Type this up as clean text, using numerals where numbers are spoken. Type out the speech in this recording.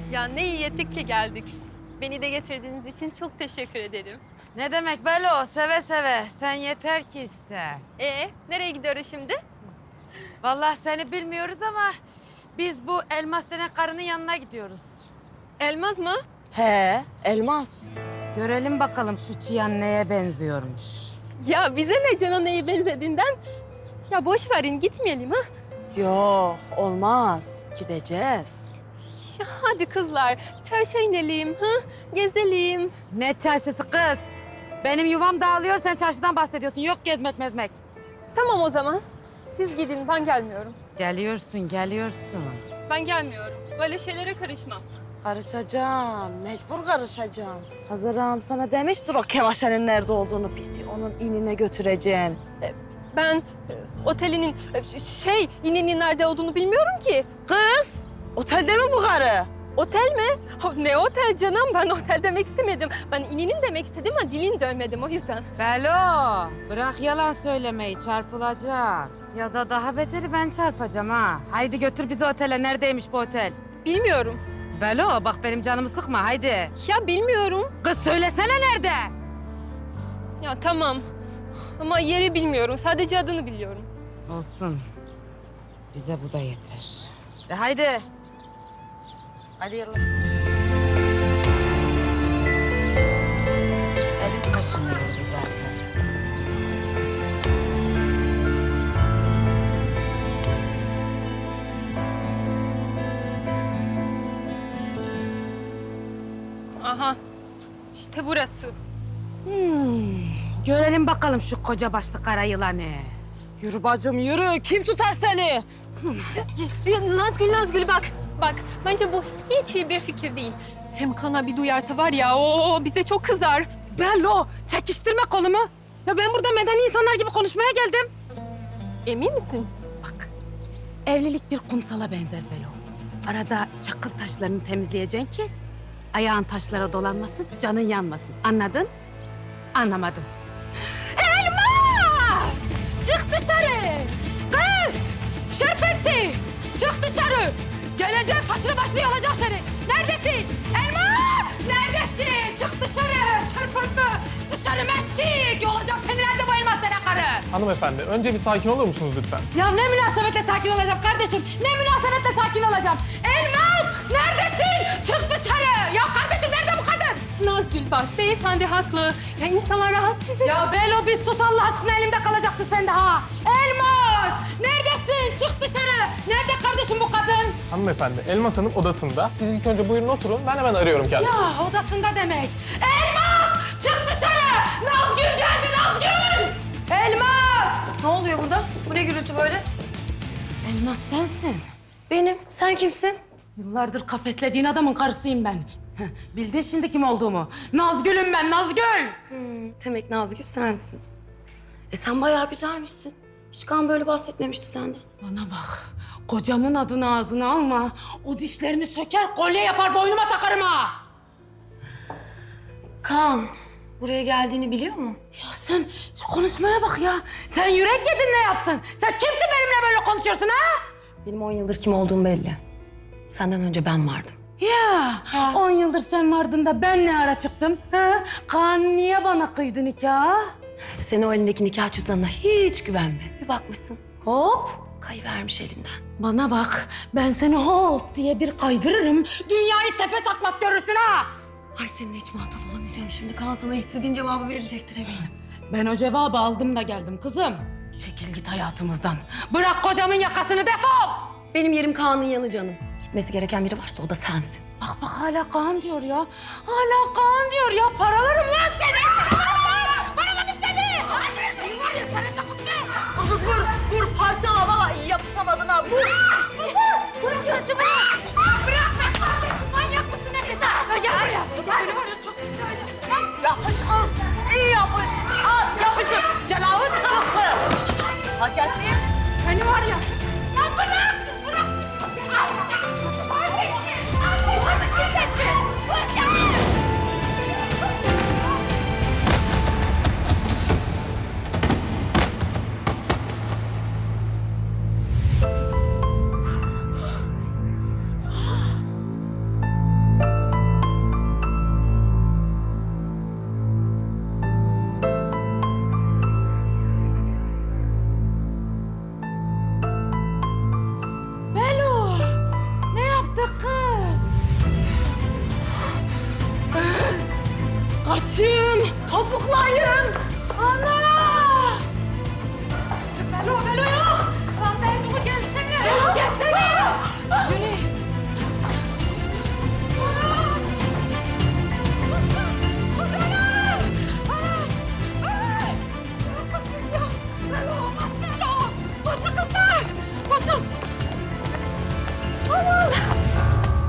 Ya ne iyi ettik ki geldik. Beni de getirdiğiniz için çok teşekkür ederim. Ne demek Belo? Seve seve. Sen yeter ki iste. Nereye gidiyoruz şimdi? Vallahi seni bilmiyoruz ama biz bu elmas denen karının yanına gidiyoruz. Elmaz mı? He, elmas. Görelim bakalım şu çıyan neye benziyormuş. Ya bize ne Can'a neye benzediğinden? Ya boş verin gitmeyelim ha. Yok, olmaz. Gideceğiz. Ya hadi kızlar çarşıya inelim ha. Gezelim. Ne çarşısı kız? Benim yuvam dağılıyor, sen çarşıdan bahsediyorsun. Yok gezmek mezmek. Tamam o zaman. Siz gidin ben gelmiyorum. Geliyorsun, geliyorsun. Ben gelmiyorum. Böyle şeylere karışmam. Karışacağım, mecbur karışacağım. Hazırım sana demiştir o Kevaşe'nin nerede olduğunu pisi. Onun inine götüreceksin. Ben otelinin ininin nerede olduğunu bilmiyorum ki. Kız, otelde mi bu karı? Otel mi? Ne otel canım? Ben otel demek istemedim. Ben ininin demek istedim ama dilin dönmedim o yüzden. Belo, bırak yalan söylemeyi, çarpılacaksın. Ya da daha beteri ben çarpacağım ha. Haydi götür bizi otele. Neredeymiş bu otel? Bilmiyorum. Belo, bak benim canımı sıkma, haydi. Ya bilmiyorum. Kız söylesene nerede? Ya tamam. Ama yeri bilmiyorum. Sadece adını biliyorum. Olsun. Bize bu da yeter. Haydi. Hadi yallah. Elim kaşınıyordu zaten. Aha. İşte burası. Görelim bakalım şu koca başlı kara yılanı. Yürü bacım yürü. Kim tutar seni? Nazgül bak. Bak bence bu hiç iyi bir fikir değil. Hem Kana bir duyarsa var ya o bize çok kızar. Belo, çekiştirme kolumu. Ya ben burada medeni insanlar gibi konuşmaya geldim. Emin misin? Bak, evlilik bir kumsala benzer Belo. Arada çakıl taşlarını temizleyeceksin ki ayağın taşlara dolanmasın, canın yanmasın. Anladın? Anlamadın. Elmas! Çık dışarı! Kız! Şerfetti! Çık dışarı! Geleceğim, saçını başını yolacağım seni. Neredesin? Elmas! Neredesin? Çık dışarı! Şerfetti! Dışarı meşik! Yolacağım seni. Nerede bu elmas denen karı? Hanımefendi, önce bir sakin olur musunuz lütfen? Ya ne münasebetle sakin olacağım kardeşim? Ne münasebetle sakin olacağım? Elmas! Neredesin? Çık dışarı! Ya kardeşim nerede bu kadın? Nazgül bak beyefendi haklı. Ya insanlar rahatsız ediyor. Ya Belo bir sus Allah aşkına, elimde kalacaksın sen de ha. Elmas! Neredesin? Çık dışarı! Nerede kardeşim bu kadın? Hanımefendi, Elmas Hanım odasında. Siz ilk önce buyurun oturun, ben hemen arıyorum kendisini. Ya odasında demek. Elmas! Çık dışarı! Nazgül geldi Nazgül! Elmas! Ne oluyor burada? Bu ne gürültü böyle? Elmas sensin. Benim. Sen kimsin? Yıllardır kafeslediğin adamın karısıyım ben. Heh, bildin şimdi kim olduğumu. Nazgül'üm ben, Nazgül! Demek Nazgül sensin. Sen bayağı güzelmişsin. Hiç Kaan böyle bahsetmemişti senden. Bana bak, kocamın adını ağzına alma. O dişlerini söker, kolye yapar, boynuma takarım ha. Kaan, buraya geldiğini biliyor mu? Ya sen şu konuşmaya bak ya. Sen yürek yedin ne yaptın? Sen kimsin benimle böyle konuşuyorsun ha? Benim 10 yıldır kim olduğum belli. Senden önce ben vardım. Ya 10 yıldır sen vardın da ben ne ara çıktım? Ha? Kaan niye bana kıydı nikahı? Sen o elindeki nikah cüzdanına hiç güvenme. Bir bakmışsın, hop kayıvermiş elinden. Bana bak, ben seni hop diye bir kaydırırım. Dünyayı tepe taklak görürsün ha. Ay seninle hiç muhatap olamayacağım şimdi. Kaan sana istediğin cevabı verecektir eminim. Ben o cevabı aldım da geldim kızım. Çekil git hayatımızdan. Bırak kocamın yakasını, defol! Benim yerim Kaan'ın yanı canım. Gitmesi gereken biri varsa o da sensin. Bak hala Kaan diyor ya. Hala Kaan diyor ya. Paralarım lan seni! Paralarım seni! Hadi seni var ya, senin de kutlu! Kız vur parçala valla yapışamadın ha. Vur. Bırak saçımı! Bırak be kardeşim! Manyak mısın ne sen? Gel buraya! Gel buraya, çok güzel. Yapış kız. İyi yapış. Al yapışır. Cenabı karısı. Hak ettin. Seni var ya! Ya bırak! Bırak! Kardeşim! Kardeşim! Kardeşim! Bırak! Başım, topuklayım. Ana!